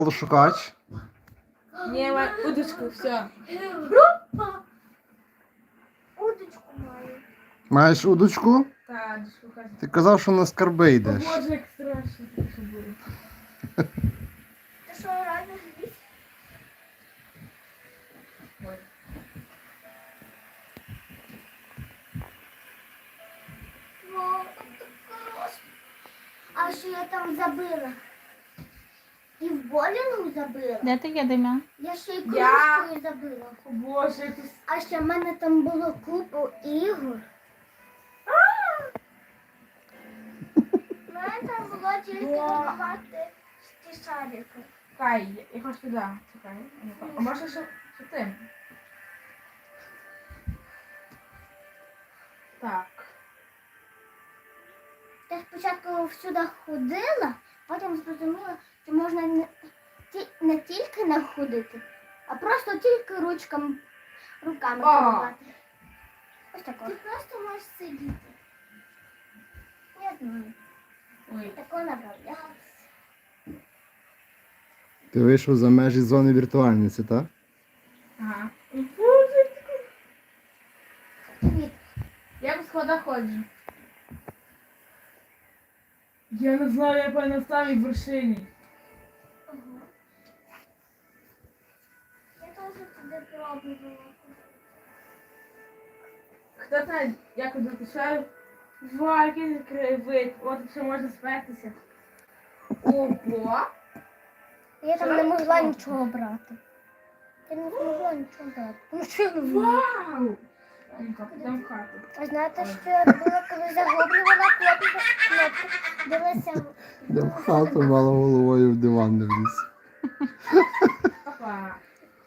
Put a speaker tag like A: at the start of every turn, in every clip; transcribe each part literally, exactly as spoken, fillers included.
A: Шукач.
B: Ні, май удочку, все.
C: Удочку маю.
A: Маєш удочку?
B: Так, шукач.
A: Ти казав, що на скарби
B: О
A: йдеш.
B: Боже, як страшно, що буде.
C: Ти що, реально зліз?
B: Ой.
C: Вау, там так класно. А що я там забила? І в болінгу забила.
D: Де ти є, Дем'ян?
C: Я ще й
B: Я-
C: кружкою забила.
B: О Боже, я тут...
C: А ще в мене там було купу ігор. У мене там було тільки
B: Вау.
C: готувати ті шарики.
B: Кай, я- я хочу туди. Чекай. А може, що, що ти? Так.
C: Я спочатку всюди ходила, потім зрозуміла, що можна не, ті- не тільки не ходити, а просто тільки ручками, руками
B: А.
C: керувати. Ось тако. Ти просто можеш сидіти. Я знаю.
B: Ой.
C: Тако направлятися.
A: Ти вийшов за межі зони віртуальниці, так?
B: Ага. О Боже,
C: Привіт.
B: я по сходах ходжу. Я не знаю, я по на самій вершині.
C: Ага. Я теж туди пробувала.
B: Хто знає, як я пішов? Вау, який краєвид. От ще можна спертися. Ого!
C: Я там не могла нічого брати. Я не змогла нічого брати. Ну що я не можу?
B: Вау! Ну-ка, підемо в хату.
C: А знаєте, що я робила, коли загублювала кнопку? Кнопку. Дивилася.
A: Я в хату мало головою в диван не вліз.
B: Опа.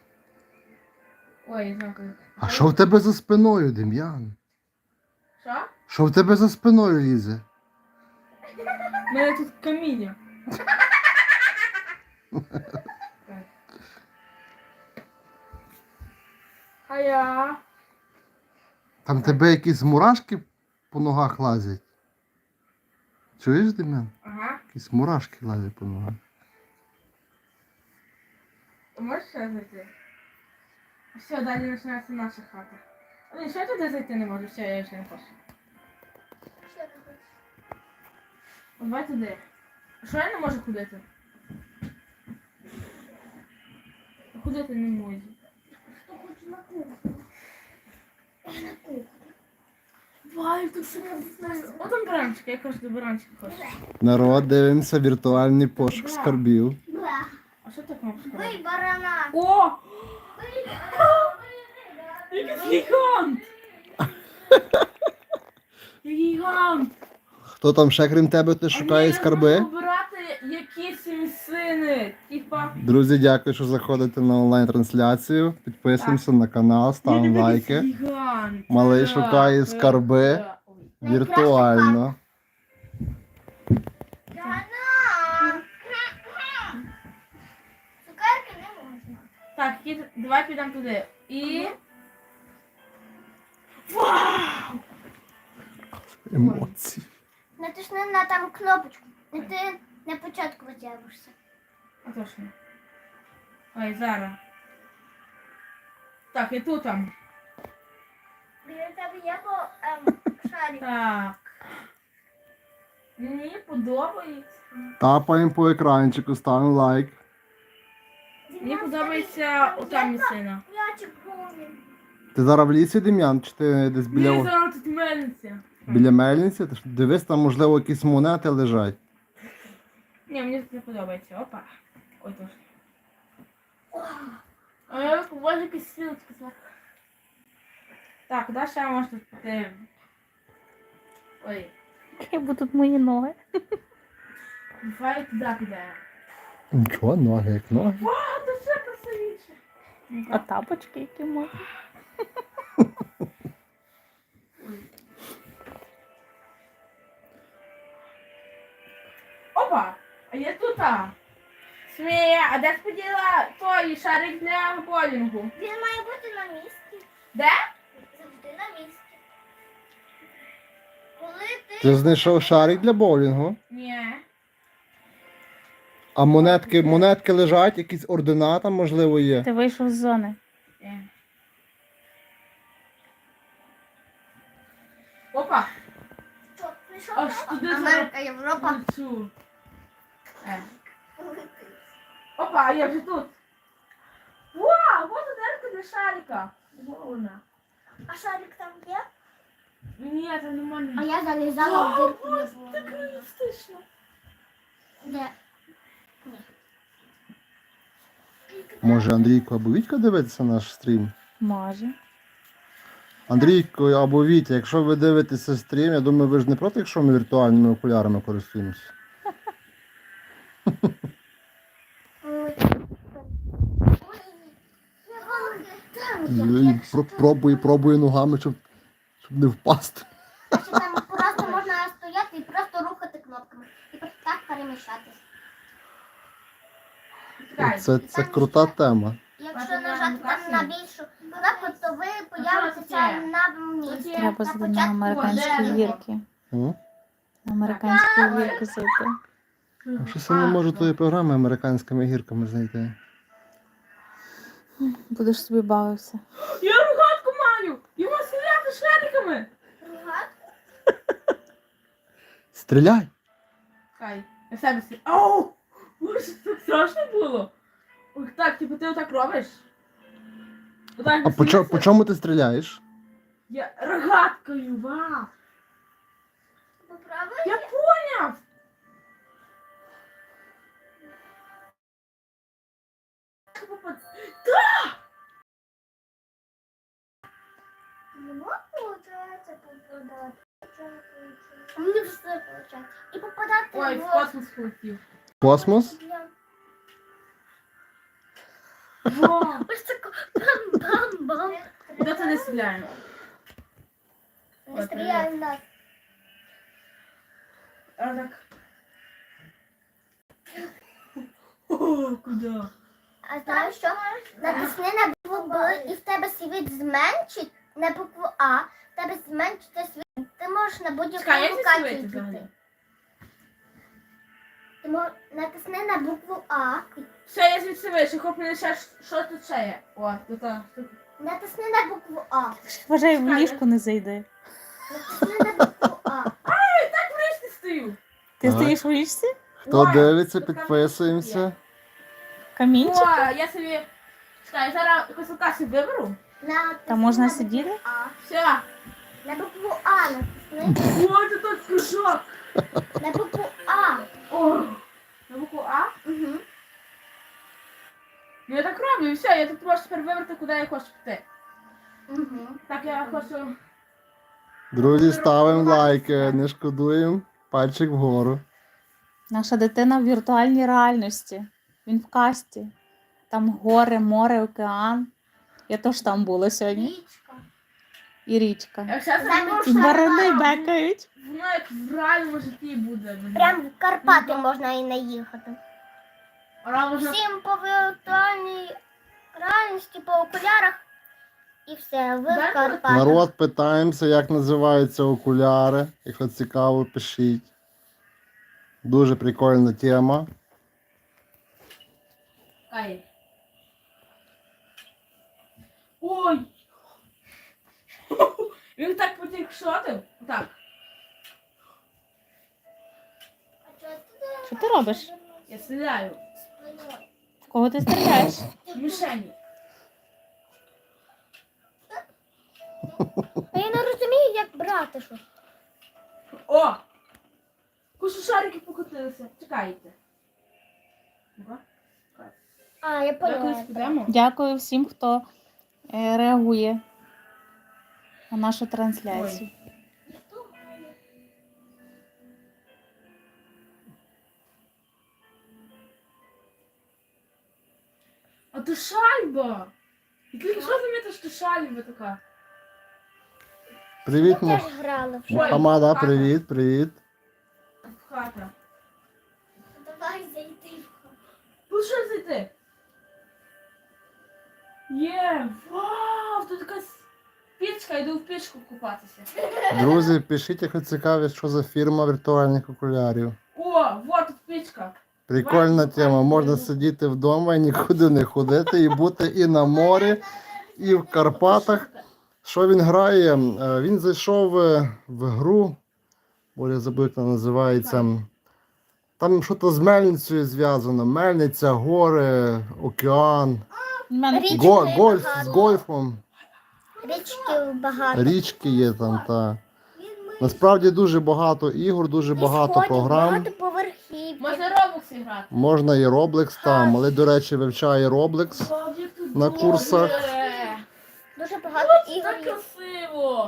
B: Ой, знову.
A: А що в тебе за спиною, Дем'ян?
B: Що?
A: Що в тебе за спиною лізе?
B: У мене тут каміння. А я?
A: Там тебе якісь мурашки по ногах лазять. Чуєш, Дем'ян?
B: Ага.
A: Якісь мурашки лазять по ногах.
B: Можеш ще зайти? Все, далі починається наша хата. Ой, що я туди зайти не можу? Все, я вже не хочу.
C: Що ти хочеш?
B: От давай туди. А що я не можу ходити? Ходити не можу.
C: Хто хоче на кухню? Я на кухню.
B: Вай, тут все не знаю. О, там баранчик, я кажу, до баранчика хочу.
A: Народ, дивимося віртуальний пошук скарбів.
C: Бла.
B: А що так кнопка?
C: Бий барана.
B: О!
C: Бий барана. Бий барана.
B: Який гігант! Гігант!
A: Хто там ще крім тебе ти шукає скарби?
B: Обирати якісь місцини. Типа.
A: Друзі, дякую, що заходите на онлайн-трансляцію. Підписуємося на канал, ставимо лайки.
B: Гігант.
A: Малий
B: Да,
A: шукає
B: да,
A: скарби.
B: да. Ой.
A: Віртуально.
C: Барана. Цукерки не можна.
B: Так, і давай підемо туди. І. Вау!
A: Емоції.
C: Натисни на там кнопочку. І ти на початку витягуєшся.
B: А точно. Ой, зараз. Так, і тут там.
C: Біля тебе є по ем, шарик.
B: Так. Мені подобається.
A: Тапаємо по екранчику, ставимо лайк.
B: Мені подобається ота місцина.
C: М'ячик повний.
A: Ти зараз в лісі, Дем'ян, чи ти десь
B: Мені
A: біля,
B: зараз тут мельниця.
A: біля мельниці? Ти ж дивись, там, можливо, якісь монети лежать.
B: Ні, мені тут не подобається. Опа. Ой, точно. А я бачу якісь сілочки зверху. Так, куди ще можна піти? Ой,
D: Які будуть мої ноги?
B: давай туди підемо.
A: Нічого, ноги як ноги.
B: Вау, це все красивіше.
D: А тапочки які можуть?
B: Опа, а я тут. а. Смія, а де ти поділа той шарик для болінгу?
C: Він має бути на місці.
B: Де?
C: Завжди на місці. Коли ти...
A: Ти знайшов шарик для боулінгу?
B: Ні.
A: А монетки, монетки лежать, якісь ордена там, можливо, є.
D: Ти вийшов з зони.
B: Е. Опа!
C: Що, прийшов?
B: Аж туди
C: Америка, Європа.
B: Цю. Е. Опа, а я вже тут. Вау, вот дерка для шарика. Вона.
C: А шарик там є?
B: Ні, це
C: А
B: нормально.
C: я залізала в дирку.
B: Вау, так реалістично.
C: Де?
A: Може, Андрійко або Вітька дивиться наш стрім?
D: Може.
A: Андрійко або Вітя, якщо ви дивитеся стрім, я думаю, ви ж не проти, якщо ми віртуальними окулярами користуємося. І про- Пробуй, пробуй ногами, щоб, щоб не впасти.
C: Ще там просто можна стояти і просто рухати кнопками. І просто так переміщатись.
B: Чекай.
A: Це, це крута тема.
C: Якщо нажати там на більшу кнопку, то ви появитеся на місці.
D: Треба
C: На
D: зайти на
C: початку
D: американські
B: дерево.
D: гірки.
A: М?
D: На американські гірки зайти.
A: Щось я не можу тої програми американськими гірками знайти.
D: Будеш собі бавився.
B: Я рогатку маю! Його стріляти шариками!
C: Ругати?
A: Стріляй!
B: Чекай, я в себе стріляю. Ау! Боже, це так страшно було. Ой, так, типу ти отак робиш? Отак
A: А по, чо-
B: стріляєш?
A: по чому ти стріляєш?
B: Я рогаткою, вау!
C: Поправи?
B: Я поняв!
C: Ну, получається попадати. Мені все виходить. І попадати
B: Ой, в
C: в
B: космос полетів.
A: Космос?
B: Вау!
C: Ось тако бам-бам-бам.
B: Куди це не стріляємо?
C: Не стріляй в нас.
B: А так. О, куди?
C: А знаєш що? Натисни на букву Б і в тебе світ зменшить на букву А. В тебе зменшиться світ. Ти можеш на будь-яку
B: Чекай, як це
C: локацію
B: світить взагалі?
C: піти. Ти мож... натисни на букву А.
B: Все, я звідси вийшов, хоч мене ще ж- що тут ще є. О, тут а, тут.
C: Натисни на букву А.
D: Вважай, в ліжко не зайди.
C: Натисни на букву А.
B: Так в річці стою.
D: Ти
A: Так.
D: стоїш в ліжці?
A: Хто
B: Ой,
A: дивиться,
B: тут там
A: підписуємося.
D: Камінчик?
B: О, я собі. Чекай, зараз якусь локацію виберу.
C: Натисни
D: Там можна
C: на
D: сидіти?
C: букву А.
B: Все.
C: На букву А натисни.
B: О, це тут кружок.
C: На букву А.
B: О, на букву А.
C: Угу.
B: Ну я так роблю, і все, я тут можу тепер вибрати, куди я хочу піти.
C: Угу.
B: Так, я хочу.
A: Друзі, ставимо лайки, не шкодуємо. Пальчик вгору.
D: Наша дитина в віртуальній реальності. Він в касті. Там гори, море, океан. Я теж там була сьогодні.
C: Річка.
D: І річка.
B: Я зараз
C: Замість
B: не можу.
D: І барани бекають.
B: Воно як в реальному житті буде.
C: Прям в Карпати можна і наїхати.
B: А можна.
C: Всім по віртуальній реальності, по окулярах. І все, ви
B: Дай
C: в Карпатах.
A: Народ, питаємося, як називаються окуляри. Якщо цікаво, пишіть. Дуже прикольна тема.
B: Ай. Ой! Він так потік шотив. Так.
D: Що ти робиш?
B: Я стріляю.
D: В кого ти стріляєш?
B: В мішені.
C: А я не розумію, як брати що.
B: О! Кушу шарики покотилися. Чекайте. Ну-ка.
C: А, я
B: Давай кудись
C: поняла.
B: підемо.
D: Дякую всім, хто е, реагує на нашу трансляцію.
B: А то шальба! І ти що замітиш, що шальба така?
A: Привіт,
C: Я
A: Му-
C: теж грала.
B: Ой,
A: Мухаммада,
B: хата.
A: привіт, привіт.
B: Хата.
C: Давай зайти.
B: Ну що зайти? Є! Вау! Тут така с- пічка, йду в пічку купатися.
A: Друзі, пишіть, якщо цікаві, що за фірма віртуальних окулярів.
B: О, вот тут пічка.
A: Прикольна тема. Можна сидіти вдома і нікуди не ходити, і бути і на морі, і в Карпатах. Що він грає? Е, Він зайшов е, в гру, бо я забув, як вона називається. Там щось з мельницею зв'язано. Мельниця, гори, океан,
D: У мене
C: Річ-
A: го,
C: Річки
A: гольф з
C: багато.
A: гольфом.
C: Річки багато.
A: Річки є там, та. Насправді дуже багато ігор, дуже багато
C: Сходів,
A: програм.
C: Багато поверхів.
B: Можна робокси грати.
A: Можна і Roblox там, але, до речі, вивчає Roblox на курсах.
B: Е,
C: Дуже багато
B: Так
C: ігор. є.
B: красиво.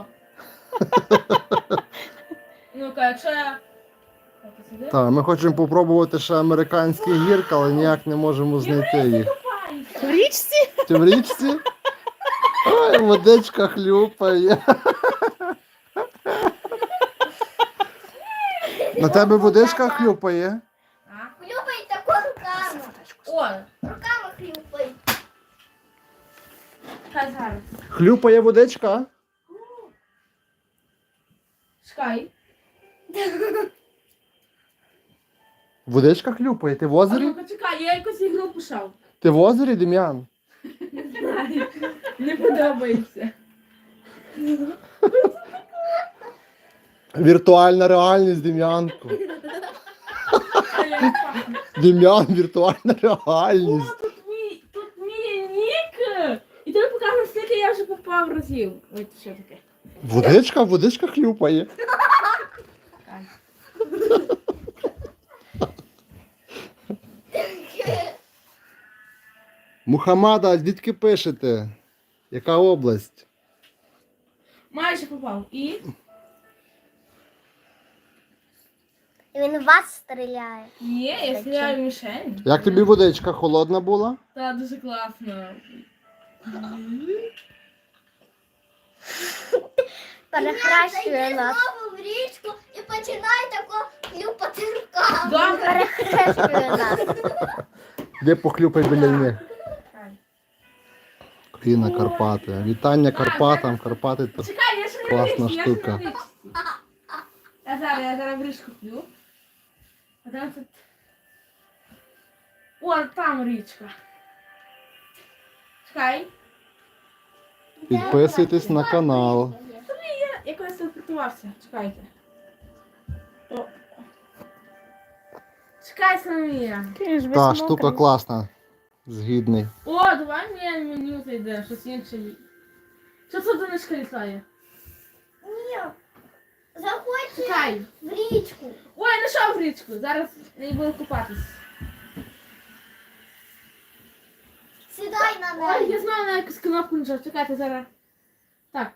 B: Ну-ка, якщо я... Так, сюди.
A: Так, ми хочемо попробувати ще американські гірки, але ніяк не можемо знайти їх.
B: Купайся.
D: в річці.
A: Ти в річці? Ой, водичка хлюпає. На тебе водичка хлюпає?
B: А?
C: Хлюпай тако руками.
B: О,
C: Руками хлюпай.
B: хай зараз.
A: Хлюпає водичка?
B: Чекай.
A: Водичка хлюпає. Ти в
B: А
A: озері?
B: ну-ка, чекай, я якусь ігру пішов.
A: Ти в озері, Дем'ян?
B: Не знаю. Не подобається.
A: Віртуальна реальність, Дем'янку.
B: А я не пахну.
A: Дем'ян, віртуальна
B: О,
A: реальність.
B: тут мій, тут мій нік. І тобі показано, скільки я вже попав разів. Ой, це що таке?
A: Водичка, водичка хлюпає.
B: Чекай.
A: Мухаммада, звідки пишете? Яка область?
B: Майже попав. І?
C: Він в вас стріляє.
B: Є, я стріляю в мішень.
A: Як тобі водичка холодна була?
B: Та дуже класно.
C: Перехрещує нас. в річку і починає тако хлюпати руками.
B: Добре.
C: Перехрещує нас.
A: Де похлюпай біля них?
B: Чекай.
A: Країна Карпати. Вітання Карпатам. Карпати то.
B: Чекай, я ще не
A: Класна
B: в річці, я ще не
A: штука.
B: в річці. Я зараз, я зараз в річку п'ю. А там тут... О, там річка. Чекай.
A: Підписуйтесь на канал.
B: Я якось телепортувався. Чекайте. О. Чекай, Соломія.
D: Ти ж весь
A: Та
D: мокрий.
A: штука класна. Згідний.
B: О, давай мені меню зайде, щось інше. Що це донечка літає?
C: Ні. Заходьте
B: Чекай.
C: в річку.
B: Ой, я знайшов річку. Зараз не буду купатись.
C: Сідай на
B: Ой, я
C: неї.
B: знаю на якусь кнопку нажав. Чекайте зараз. Так.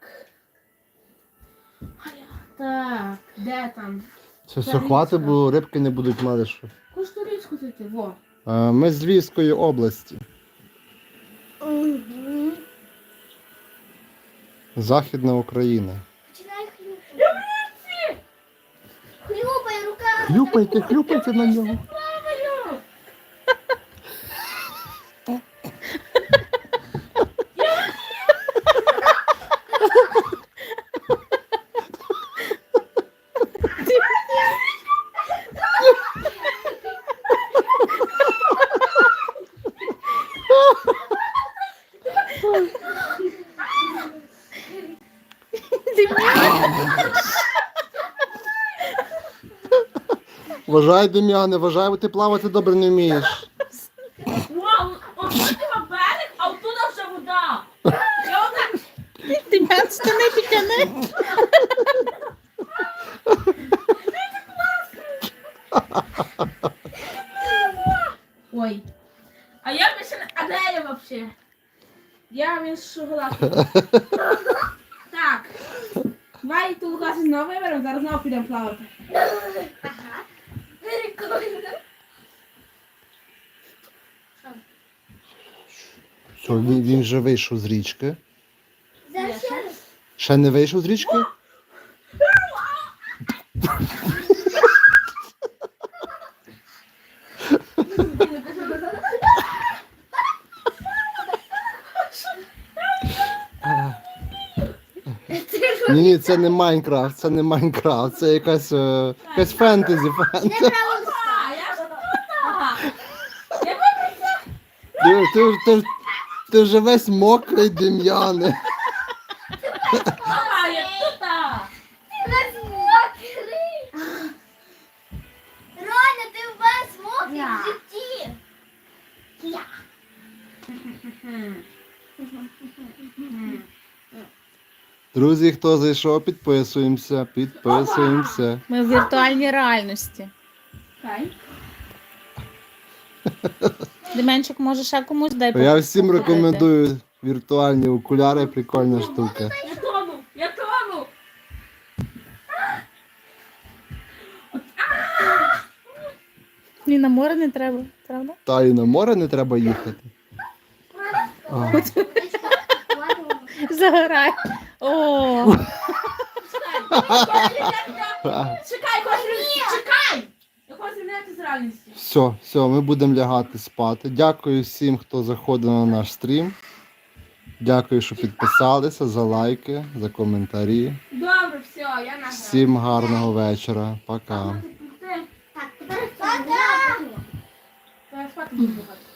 B: Ай, Так, де там?
A: Це все хватить, бо рибки не будуть мати що.
B: Кожну річку зайти, во.
A: Е, Ми з Львівської області.
C: Мгм.
A: Західна Україна.
C: Починай хлюпати. Хлюпай руками.
A: Хлюпайте, хлюпайте на нього.
B: Плаваю!
A: Вважай, Дем'яне, вважай, бо ти плавати добре не вмієш.
B: Вау! От тут на берег, а оттуда вже вода. Я отак.
D: Ти мене штани підтяни.
B: Ой. А я більше не... А де я вообще? Я він шоколадку. Так. Давай ту Лукасу знову виберемо, зараз знову підемо плавати.
C: Прикольно.
A: Все, він, він вже вийшов з річки.
C: Зараз ще раз.
A: Ще не вийшов з річки? Ні, ні, це не Майнкрафт, це не Майнкрафт, це якась, е, якась фентезі. фентезі.
B: А, я ж тут.
A: ти, ти, ти вже весь мокрий, Дем'яне.
B: Мама, як тут.
C: Весь мокрий. Роня, ти весь мокрий в житті. Я.
A: Друзі, хто зайшов, підписуємося, підписуємося.
D: Ми в віртуальній реальності.
B: Хай.
D: Деменчик, може ще комусь дай
A: Я всім
D: покупити?
A: рекомендую віртуальні окуляри, прикольна штука.
B: Я тону, я тону.
D: Ні, на море не треба, правда?
A: Та і на море не треба їхати. А.
D: Загорай. О,
B: Чекай, хочу, чекай. Я хочу звільняти з реальності.
A: Все, все, ми будемо лягати спати. Дякую всім, хто заходив на наш стрім. Дякую, що підписалися, за лайки, за коментарі.
B: Добре, все, я награв.
A: Всім гарного вечора. Пока.
B: Ти-
C: Так, тепер
B: Я спати буду.